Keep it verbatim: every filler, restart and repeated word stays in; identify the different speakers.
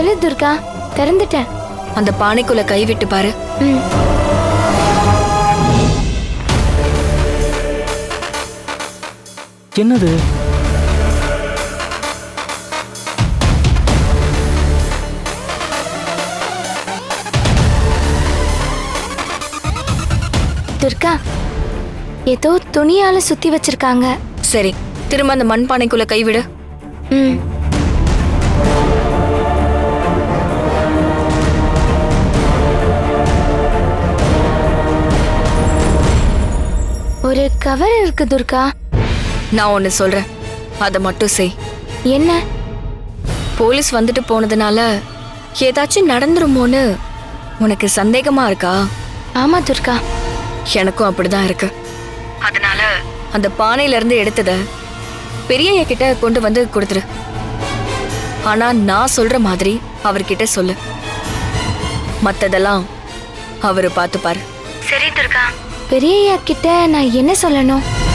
Speaker 1: சொல்லு துர்கா, திறந்துட்டேன்.
Speaker 2: அந்த பானைக்குள்ள கை விட்டு பாரு.
Speaker 1: ம்.
Speaker 3: என்னது?
Speaker 1: துர்கா, ஏதோ துணியால சுத்தி வச்சிருக்காங்க.
Speaker 2: சரி, திரும்ப அந்த மண் பானைக்குள்ள கை விடு.
Speaker 1: ம். ஒரு கவர் இருக்கு துர்கா.
Speaker 2: நான் ஒன்னு சொல்றேன், அதை மட்டும் செய்.
Speaker 1: என்ன?
Speaker 2: போலீஸ் வந்துட்டு போனதுனால ஏதாச்சும் நடந்துருமோன்னு உனக்கு சந்தேகமா இருக்கா?
Speaker 1: ஆமா துர்கா,
Speaker 2: எனக்கும் அப்படிதான் இருக்கு. அதனால அந்த பானையில இருந்து எடுத்தத பெரியய்யா கிட்ட கொண்டு வந்து கொடுத்துரு. ஆனா நான் சொல்ற மாதிரி அவர்கிட்ட சொல்லு. மத்ததெல்லாம் அவரு பார்த்துப்பாரு.
Speaker 1: சரி துர்கா. பெரியய்யா கிட்ட நான் என்ன சொல்லணும்?